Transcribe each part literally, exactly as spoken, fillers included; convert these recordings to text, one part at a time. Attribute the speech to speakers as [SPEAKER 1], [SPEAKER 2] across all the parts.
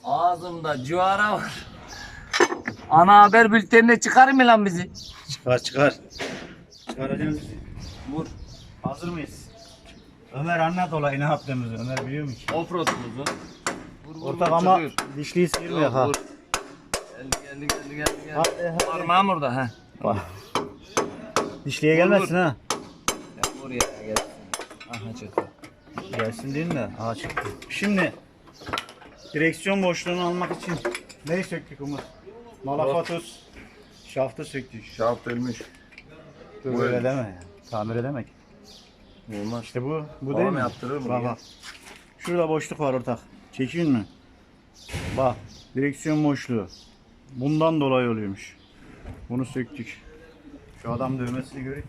[SPEAKER 1] Ağzımda civara var. Ana haber bültenine çıkar mı lan bizi?
[SPEAKER 2] Çıkar çıkar. Çıkaracağız bizi.
[SPEAKER 1] Vur.
[SPEAKER 2] Hazır mıyız? Ömer anlat olayı ne yaptığımızı. Ömer biliyor mu ki?
[SPEAKER 1] Offroad'umuzu.
[SPEAKER 2] Ortak ama dişliyi sıyırmıyor ha.
[SPEAKER 1] Geldi geldi geldi geldi. geldi.
[SPEAKER 2] Hadi, hadi.
[SPEAKER 1] Parmağım orada ha.
[SPEAKER 2] Bak. Dişliye gelmesin ha.
[SPEAKER 1] Ya oraya gelsin. Aha çıktı.
[SPEAKER 2] Gelsin değil de. Aha çıktı. Şimdi direksiyon boşluğunu almak için neyi söktük Umut? Malafatus. Şaftı söktük.
[SPEAKER 1] Şaft ölmüş.
[SPEAKER 2] Bu öyle deme ya. Tamir edemek.
[SPEAKER 1] Olmaz.
[SPEAKER 2] İşte bu. Bu
[SPEAKER 1] Babam
[SPEAKER 2] değil mi?
[SPEAKER 1] yaptırır mı
[SPEAKER 2] Bak
[SPEAKER 1] ya?
[SPEAKER 2] bak. Şurada boşluk var ortak. Çekiyor mu? Bak. Direksiyon boşluğu. Bundan dolayı oluyormuş. Bunu söktük. Şu adam dövmesini göreyim.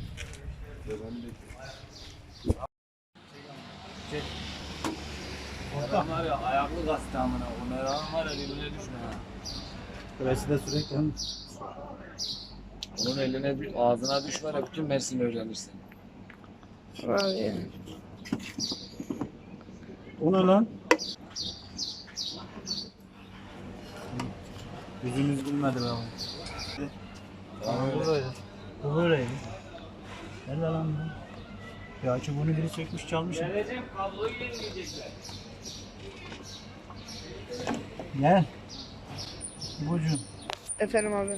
[SPEAKER 2] Çek.
[SPEAKER 1] Adam var ya ayaklı gazete amına. O meran var ya birbirine düşme ha.
[SPEAKER 2] Burası da sürekli.
[SPEAKER 1] Onun eline ağzına düş var ya bütün Mersin'i öğrenirsin.
[SPEAKER 3] Abi.
[SPEAKER 2] O ne lan? Yüzümüz gülmedi be oğlum. Bu böyle. Bu böyleydi. Nerede lan bu? Ya ki bunu biri çekmiş çalmış.
[SPEAKER 1] Vereceğim kabloyu yenileyecekler.
[SPEAKER 2] Gel. Bucuğum.
[SPEAKER 3] Efendim abi.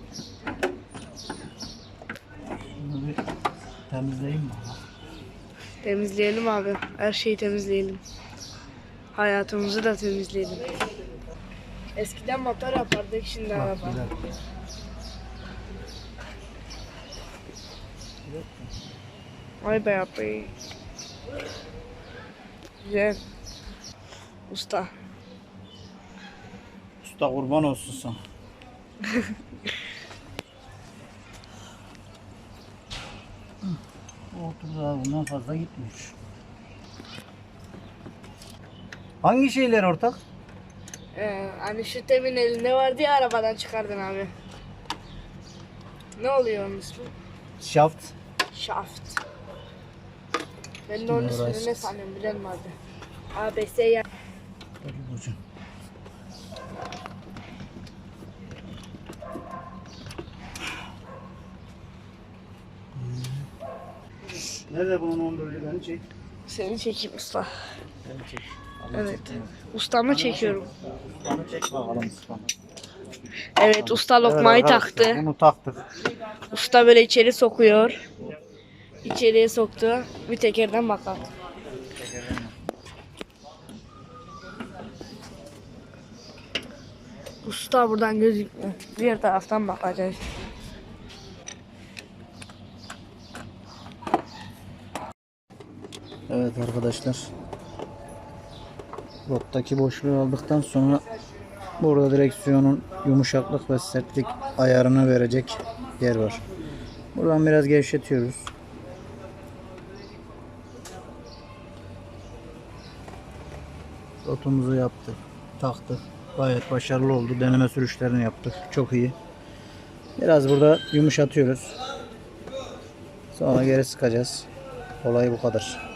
[SPEAKER 2] Bunu bir temizleyeyim mi?
[SPEAKER 3] Temizleyelim abi. Her şeyi temizleyelim. Hayatımızı da temizleyelim. Eskiden motor yapardık, şimdi
[SPEAKER 2] Bak,
[SPEAKER 3] araba.
[SPEAKER 2] bir dakika.
[SPEAKER 3] Vay be abi. Güzel. Usta.
[SPEAKER 2] Usta kurban olsun sana. Otur daha bundan fazla gitmiyor. Hangi şeyler ortak?
[SPEAKER 3] Ee, hani şu temin elinde vardı ya, arabadan çıkardın abi. Ne oluyor onun ismi?
[SPEAKER 2] Şaft.
[SPEAKER 3] Shaft. Ben de onun
[SPEAKER 2] Şimdi
[SPEAKER 3] ismini
[SPEAKER 2] orası.
[SPEAKER 3] ne sanıyorum bilen mi abi? A B S ya.
[SPEAKER 2] Hadi bucuğum. Nerede bunun on dördü beni çek.
[SPEAKER 3] Seni çekeyim usta.
[SPEAKER 2] Beni çek.
[SPEAKER 3] Evet. Ustamı çekiyorum.
[SPEAKER 2] Bana çek bakalım ustamı.
[SPEAKER 3] Evet, usta lokmayı
[SPEAKER 2] Evet arkadaşlar,
[SPEAKER 3] taktı.
[SPEAKER 2] Bunu taktık.
[SPEAKER 3] Usta böyle içeri sokuyor. İçeriye soktu. Bir tekerden bakalım. Usta buradan gözükmüyor. Diğer taraftan bakacağız.
[SPEAKER 2] Evet arkadaşlar. Rottaki boşluğu aldıktan sonra burada direksiyonun yumuşaklık ve sertlik ayarını verecek yer var. Buradan biraz gevşetiyoruz. Rotumuzu yaptık, taktık. Gayet başarılı oldu. Deneme sürüşlerini yaptık. Çok iyi. Biraz burada yumuşatıyoruz. Sonra geri sıkacağız. Olay bu kadar.